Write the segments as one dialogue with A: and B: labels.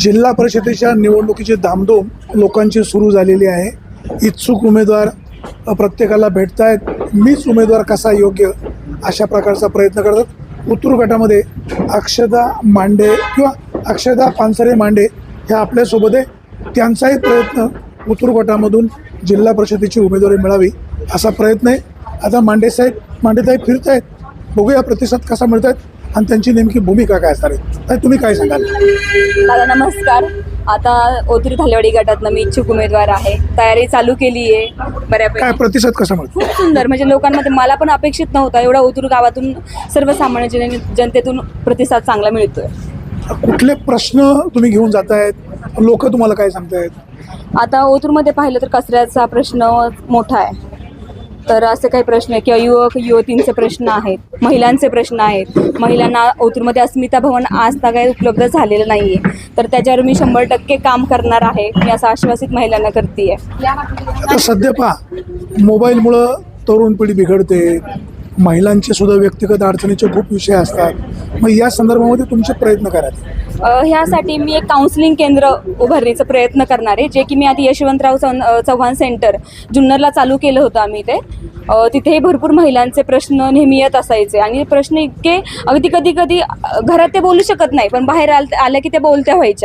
A: जिल्हा परिषदेच्या निवडणुकीची धामधूम लोकांची सुरू झालेली आहे. इच्छुक उमेदवार प्रत्येकाला भेटतायत. मीच उमेदवार कसा योग्य अशा प्रकारचा प्रयत्न करतात. उतूर गटामध्ये अक्षदा मांडे किंवा अक्षदा पानसरे मांडे ह्या आपल्यासोबत आहे. त्यांचाही प्रयत्न उतूर गटामधून जिल्हा परिषदेची उमेदवारी मिळावी असा प्रयत्न आहे. आता मांडेताई फिरत आहेत. बघूया प्रतिसाद कसा मिळत आहेत आणि त्यांची नेमकी भूमिका काय असणार आहे. तर तुम्ही काय सांगाल?
B: दादा नमस्कार. आता ओतूर धालेवाडी गटातनं मी इच्छुक उमेदवार आहे. तयारी चालू केली आहे बऱ्यापैकी.
A: काय प्रतिसाद कसा मिळतो?
B: खूप सुंदर, म्हणजे लोकांमध्ये मला पण अपेक्षित नव्हता एवढा ओतूर गावातून सर्वसामान्य जनतेतून प्रतिसाद चांगला मिळतोय.
A: कुठले प्रश्न तुम्ही घेऊन जातायत? लोक तुम्हाला काय सांगतायत?
B: आता ओतूरमध्ये पाहिलं तर कचऱ्याचा प्रश्न मोठा आहे. तर असे काही प्रश्न आहे किंवा युवक युवतींचे प्रश्न आहेत, महिलांचे प्रश्न आहेत. महिलांना ओतूरमध्ये अस्मिता भवन आज काही उपलब्ध झालेलं नाही आहे. तर त्याच्यावर मी 100% काम करणार आहे. मी असं आश्वासित महिलांना करते आहे.
A: आता सध्या पहा, मोबाईलमुळं तरुण पिढी बिघडते. महिलांचे सुद्धा व्यक्तिगत अडचणीचे खूप विषय असतात. मग या संदर्भामध्ये तुमचे प्रयत्न करायचे.
B: ह्यासाठी मी एक काउन्सिलिंग केंद्र उभारण्याचा प्रयत्न करणार आहे, जे की मी आधी यशवंतराव चव्हाण सेंटर जुन्नरला चालू केलं होतं आम्ही ते. तिथेही भरपूर महिलांचे प्रश्न नेहमी येत असायचे आणि प्रश्न इतके अगदी कधी घरात ते बोलू शकत नाही, पण बाहेर आल्या की ते बोलत्या व्हायच्या.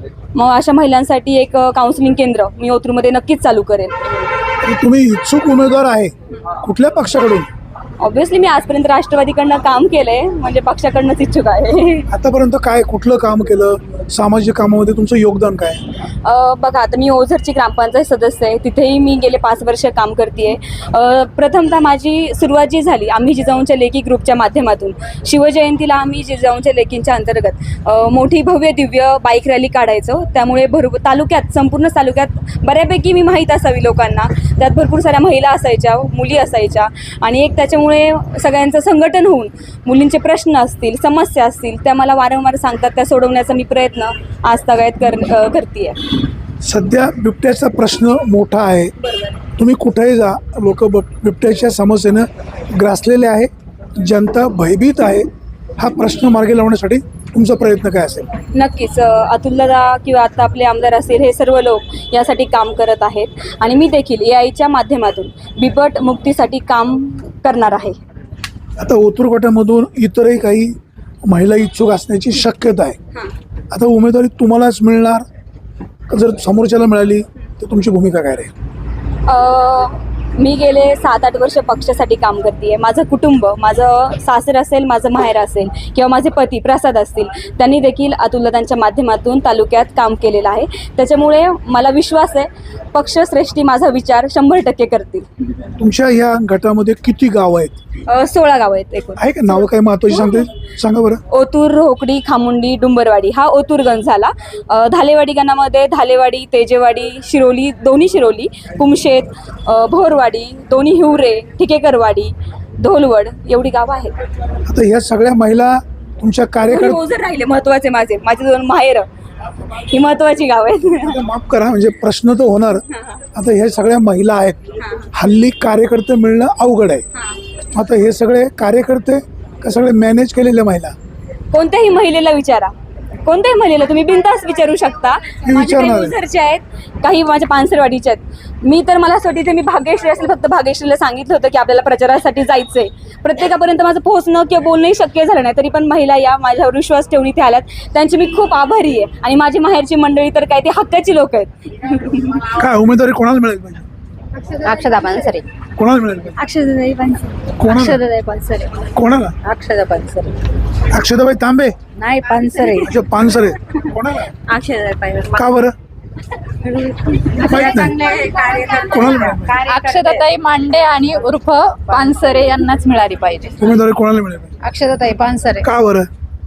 B: मग अशा महिलांसाठी एक काउन्सिलिंग केंद्र मी ओतूरमध्ये नक्कीच चालू करेन.
A: तुम्ही इच्छुक उमेदवार आहे, कुठल्या पक्षाकडून?
B: ऑब्व्हियसली मी आजपर्यंत राष्ट्रवादीकडनं काम केलंय, म्हणजे पक्षाकडनंच इच्छुक आहे.
A: आतापर्यंत काय कुठलं काम केलं? सामाजिक कामामध्ये तुमचं योगदान काय?
B: बघा, आता मी ओझरची ग्रामपंचायत सदस्य आहे. तिथेही मी गेले 5 वर्ष काम करते. प्रथमतः माझी सुरुवात जी झाली, आम्ही जिजाऊंच्या लेखी ग्रुपच्या माध्यमातून शिवजयंतीला आम्ही जिजाऊंच्या लेखींच्या अंतर्गत मोठी भव्य दिव्य बाईक रॅली काढायचो. त्यामुळे संपूर्ण तालुक्यात बऱ्यापैकी मी माहीत असावी लोकांना. त्यात भरपूर साऱ्या महिला असायच्या, मुली असायच्या आणि एक त्याच्यामुळे सगळ्यांचं संघटन होऊन मुलींचे प्रश्न असतील, समस्या असतील, त्या मला वारंवार सांगतात. त्या सोडवण्याचा मी प्रयत्न आज तगायत करते.
A: सध्या बिबट्याचा प्रश्न मोठा आहे. तुम्ही कुठेही जा, लोक बिबट्याच्या समस्येनं ग्रासलेले आहे. जनता भयभीत आहे. हा प्रश्न मार्गी लावण्यासाठी तुमचा प्रयत्न काय असेल?
B: नक्कीच अतुलदादा किंवा आता आपले आमदार असतील, हे सर्व लोक यासाठी काम करत आहेत आणि मी देखील AIच्या माध्यमातून बिबट मुक्तीसाठी काम करणार आहे.
A: आता ओतूर गटामधून इतरही काही महिला इच्छुक असण्याची शक्यता आहे. आता उमेदवारी तुम्हालाच मिळणार, जर समोरच्याला मिळाली तर तुमची भूमिका काय राहील?
B: मी गेले 7-8 वर्ष पक्षासाठी काम करते. माझं कुटुंब, माझं सासर असेल, माझं माहेर असेल किंवा माझे पती प्रसाद असतील, त्यांनी देखील अतुलदादांच्या माध्यमातून तालुक्यात काम केलेलं आहे. त्याच्यामुळे मला विश्वास आहे पक्षश्रेष्ठी माझा विचार 100% करतील.
A: तुमच्या ह्या गटामध्ये किती गाव आहेत?
B: 16 गावं आहेत एकूण.
A: आहे का? नावं काय महत्त्वाची सांगा बरं.
B: ओतूर, रोकडी, खामुंडी, डुंबरवाडी हा ओतूर गण झाला. धालेवाडी गणामध्ये धालेवाडी, तेजेवाडी, शिरोली, दोन्ही शिरोली, कुमशेत, भोरवाडी, दोन्ही हिवरे, ठिकेकरवाडी, धोलवड एवढी गावं आहेत.
A: आता ह्या सगळ्या महिला तुमच्या कार्यकर्ते
B: ओझर राहिले महत्वाचे. माझे 2 माहेर ही महत्वाची गाव आहेत.
A: माफ करा, म्हणजे प्रश्न तर होणार. आता ह्या सगळ्या महिला आहेत. हल्ली कार्यकर्ते मिळणं अवघड आहे. आता हे सगळे कार्यकर्ते का सगळे मॅनेज केलेल्या महिला?
B: कोणत्याही महिलेला विचारा, कोणत्याही महिलेला तुम्ही बिनधास्त विचारू शकता. माझे काही ओझरचे आहेत, काही माझ्या पानसरवाडीचे आहेत. मी तर मला असं वाटतं, ते मी भाग्यश्री असेल, फक्त भाग्यश्रीला सांगितलं होतं की आपल्याला प्रचारासाठी जायचंय. प्रत्येकापर्यंत माझं पोहोचणं किंवा बोलणंही शक्य झालं नाही, तरी पण महिला या माझ्यावर विश्वास ठेवून इथे आल्यात. त्यांची मी खूप आभारी आहे. आणि माझी माहेरची मंडळी तर काय, ती हक्काची लोक आहेत.
A: काय उमेदवारी कोणाला मिळेल पाहिजे?
B: अक्षदा पानसरे.
A: कोणाला मिळेल पाहिजे?
B: अक्षदाताई पानसरे.
A: कोणाला?
B: अक्षदाताई पानसरे.
A: कोणाला?
B: अक्षदा पानसरे.
A: अक्षदाबाई तांबे?
B: नाही, पानसरे.
A: अच्छा, पानसरे. कोणाला?
B: अक्षदाताई पानसरे.
A: का बरं? माहित नाही. कोणाला मिळेल?
C: अक्षदाताई मांडे आणि उर्फ पानसरे यांनाच मिळाली पाहिजे.
A: उमेदवारी कोणाला मिळेल पाहिजे?
C: अक्षदाताई पानसरे
A: का बरं?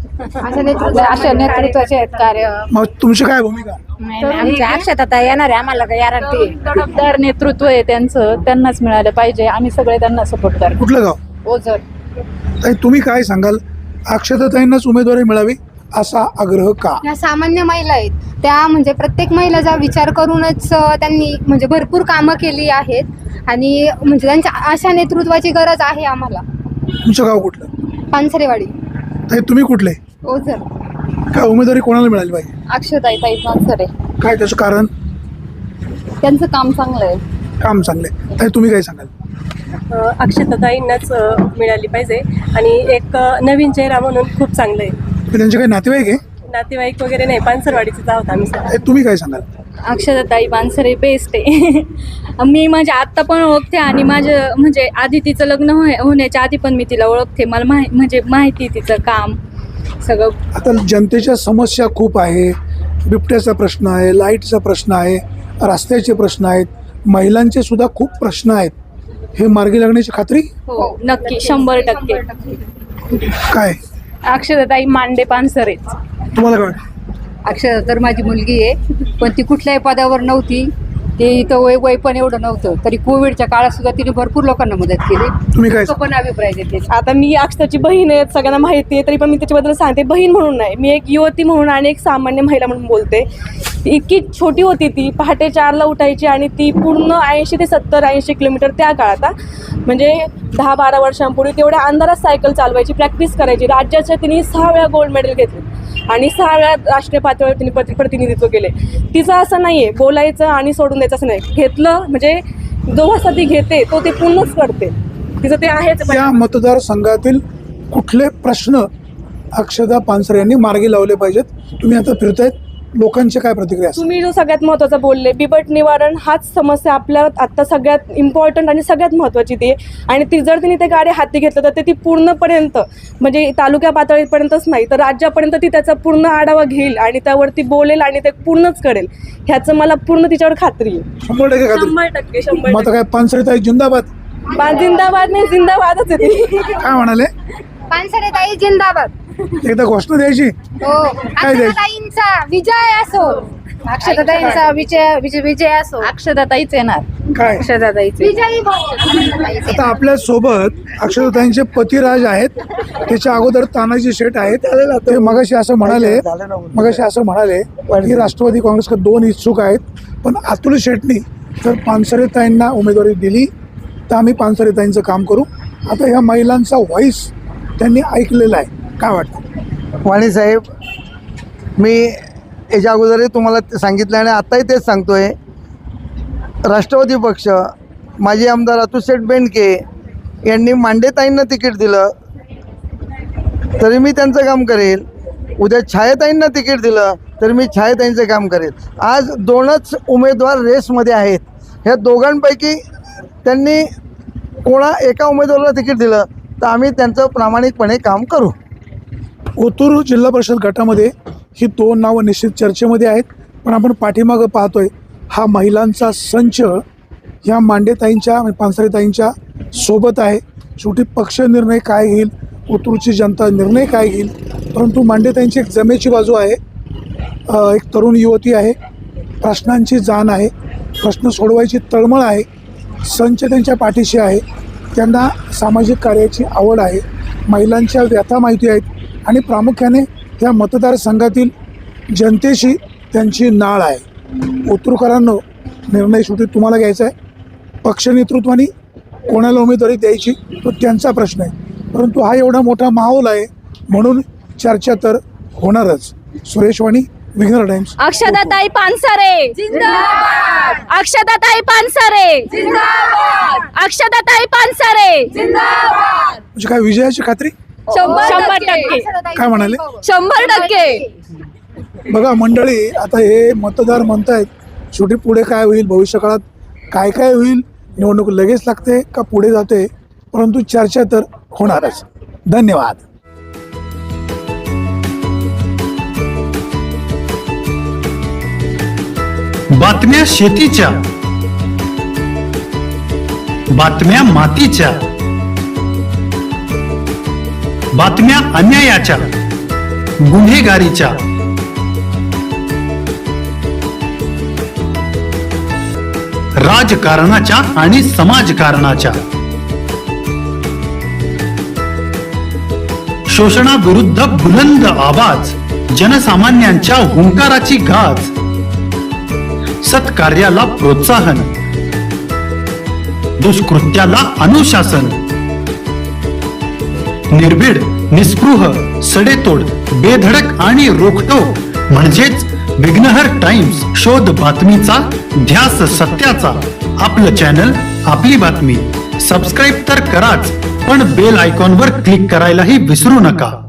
C: अशा नेतृत्वाचे आहेत कार्य.
A: मग तुमची काय भूमिका?
C: अक्षदाताई येणार आहे, आम्हाला गॅरंटी. तडफदार नेतृत्व आहे त्यांचं, त्यांनाच मिळालं पाहिजे. आम्ही सगळे त्यांना सपोर्ट करतो.
A: कुठलं गाव?
C: ओझर.
A: ताई, तुम्ही काय सांगाल? अक्षताताईंनाच उमेदवारी मिळावी असा आग्रह का?
D: या सामान्य महिला आहेत त्या, म्हणजे प्रत्येक महिलाचा विचार करूनच त्यांनी म्हणजे भरपूर कामं केली आहेत आणि म्हणजे त्यांच्या अशा नेतृत्वाची गरज आहे आम्हाला.
A: तुमचं गाव कुठलं?
D: पानसरेवाडी.
A: ताई, तुम्ही कुठले?
D: ओझर.
A: काय उमेदवारी कोणाला मिळाली पाहिजे?
C: अक्षताताई पानसरे.
A: काय त्याचं कारण?
C: त्यांचं काम चांगलं आहे.
A: काम चांगलं आहे. ताई, तुम्ही काय सांगाल?
E: अक्षताताईंनाच मिळाली पाहिजे आणि एक नवीन चेहरा म्हणून खूप चांगलं आहे.
A: त्यांचे काही नातेवाईक आहे?
E: नातेवाईक वगैरे नाही, पानसरवाडीचेच आहोत आम्ही सगळे.
A: ताई, तुम्ही काय सांगाल?
B: अक्षताताई पानसरे बेस्ट आहे. मी म्हणजे आत्ता पण ओळखते आणि माझं म्हणजे आधी तिचं लग्न होण्याच्या आधी पण मी तिला ओळखते. मला म्हणजे माहिती तिचं काम सगळं.
A: आता जनतेच्या समस्या खूप आहे. बिबट्याचा प्रश्न आहे, लाईटचा प्रश्न आहे, रस्त्याचे प्रश्न आहेत, महिलांचे सुद्धा खूप प्रश्न आहेत. हे मार्गी लागण्याची खात्री?
B: हो नक्की 100%.
A: काय
C: अक्षताताई मांडे पानसरे.
A: तुम्हाला काय वाटतं?
D: अक्षता तर माझी मुलगी आहे, पण ती कुठल्याही पदावर नव्हती. ते इथं वय पण एवढं नव्हतं, तरी कोविडच्या काळात सुद्धा तिने भरपूर लोकांना मदत केली.
A: तुम्ही काय?
D: तो पण अभिप्राय देते.
E: आता मी अक्षताची बहीण आहे, सगळ्यांना माहिती आहे, तरी पण मी त्याच्याबद्दल सांगते. बहीण म्हणून नाही, मी एक युवती म्हणून आणि एक सामान्य महिला म्हणून बोलते. इतकी छोटी होती ती, पहाटे 4ला उठायची आणि ती पूर्ण 80 ते 70-80 किलोमीटर त्या काळात, म्हणजे 10-12 वर्षांपूर्वी तेवढ्या अंधारात सायकल चालवायची, प्रॅक्टिस करायची. राज्याच्या तिने 6 वेळा गोल्ड मेडल घेतले आणि 6 वेळा राष्ट्रीय पातळीवर तिने प्रतिनिधित्व केले. तिचं असं नाही आहे बोलायचं आणि सोडून द्यायचं असं नाही. घेतलं म्हणजे जो वाजता ती घेते तो ते पूर्णच करते. तिचं ते आहेच.
A: त्या मतदारसंघातील कुठले प्रश्न अक्षता पानसरे यांनी मार्गी लावले पाहिजेत? तुम्ही आता फिरतायत, लोकांची काय प्रतिक्रिया असते?
E: तुम्ही जो सगळ्यात महत्त्वाचा बोलले, बिबट निवारण हाच समस्या आपल्या आत्ता सगळ्यात इम्पॉर्टंट आणि सगळ्यात महत्त्वाची ती आहे. आणि ती जर तिने ते कार्य हाती घेतलं तर ती पूर्णपर्यंत म्हणजे तालुक्या पातळीपर्यंतच नाही तर राज्यापर्यंत ती त्याचा पूर्ण आढावा घेईल आणि त्यावरती बोलेल आणि ते पूर्णच करेल. ह्याचं मला पूर्ण तिच्यावर खात्री आहे.
A: 100% खात्री?
E: 100%.
A: मग आता काय पानसरेताई जिंदाबाद?
E: जिंदाबाद नाही, जिंदाबादच आहे ती.
A: काय म्हणाले?
D: पानसरे ताई जिंदाबाद.
A: एकदा घोषणा द्यायची.
D: हो, अक्षताताईंचा विजय असो. अक्षताताईंचा विजय असो.
C: अक्षताताईच येणार.
A: काय
C: अक्षताताईचे.
D: विजयी भाऊ.
A: आता आपल्या सोबत अक्षताताईंचे पतिराज आहेत, त्याच्या अगोदर तानाजी शेठ आहेत. ते मगाशी असं म्हणाले की राष्ट्रवादी काँग्रेसकडे 2 इच्छुक आहेत, पण अतुल शेठनी जर पानसरेताईंना उमेदवारी दिली तर आम्ही पानसरेताईंचं काम करू. आता ह्या महिलांचा व्हॉइस त्यांनी ऐकलेला आहे. काय वाटतं?
F: वाणी साहेब, मी याच्या अगोदरही तुम्हाला सांगितलं आणि आत्ताही तेच सांगतोय. राष्ट्रवादी पक्ष, माजी आमदार अतुलशेठ बेंडके यांनी मांडेताईंना तिकीट दिलं तरी मी त्यांचं काम करेल. उद्या छायाताईंना तिकीट दिलं तर मी छायाताईंचं काम करेल. आज 2च उमेदवार रेसमध्ये आहेत. ह्या दोघांपैकी त्यांनी एका उमेदवाराला तिकीट दिलं तर आम्ही त्यांचं प्रामाणिकपणे काम करू.
A: ओतूर जिल्हा परिषद गटामध्ये ही 2 नावं निश्चित चर्चेमध्ये आहेत, पण आपण पाठीमागं पाहतोय हा महिलांचा संच ह्या मांडेताईंच्या पानसरेताईंच्या सोबत आहे. शेवटी पक्ष निर्णय काय घेईल, ओतूरची जनता निर्णय काय घेईल, परंतु मांडेताईंची एक जमेची बाजू आहे. एक तरुण युवती आहे, प्रश्नांची जाण आहे, प्रश्न सोडवायची तळमळ आहे. संच त्यांच्या पाठीशी आहे, त्यांना सामाजिक कार्याची आवड आहे, महिलांच्या व्यथा माहिती आहेत आणि प्रामुख्याने त्या मतदारसंघातील जनतेशी त्यांची नाळ आहे. ओतूरकरांनो, निर्णय शेवटी तुम्हाला घ्यायचा आहे. पक्ष नेतृत्वाने कोणाला उमेदवारी द्यायची तो त्यांचा प्रश्न आहे, परंतु हा एवढा मोठा माहोल आहे म्हणून चर्चा तर होणारच. सुरेश वाणी, विघ्नर टाइम्स.
B: अक्षताताई पानसरे जिंदाबाद. अक्षताताई पानसरे जिंदाबाद. अक्षताताई पानसरे जिंदाबाद.
A: म्हणजे काय विजयाची खात्री?
B: 100%.
A: काय म्हणाले?
B: 100%.
A: बघा मंडळी, आता हे मतदार म्हणतायत शेवटी पुढे काय होईल, भविष्यकाळात काय काय होईल, निवडणूक लगेच लागते का पुढे जाते, परंतु चर्चा तर होणारच. धन्यवाद.
G: बातम्या शेतीच्या, बातम्या मातीच्या, बातम्या अन्यायाच्या, गुन्हेगारीच्या, राजकारणाच्या आणि समाजकारणाच्या, शोषणाविरुद्ध बुलंद आवाज, जनसामान्यांच्या हुंकाराची गाज, सत्कार्याला प्रोत्साहन, दुष्कृत्याला अनुशासन, निर्भीड, निस्पृह, सडेतोड, बेधडक आणि रोखटोक म्हणजेच विघ्नहर टाइम्स. शोध बातमीचा, ध्यास सत्याचा. आपलं चॅनल, आपली बातमी. सबस्क्राईब तर कराच, पण बेल आयकॉनवर क्लिक करायलाही विसरू नका.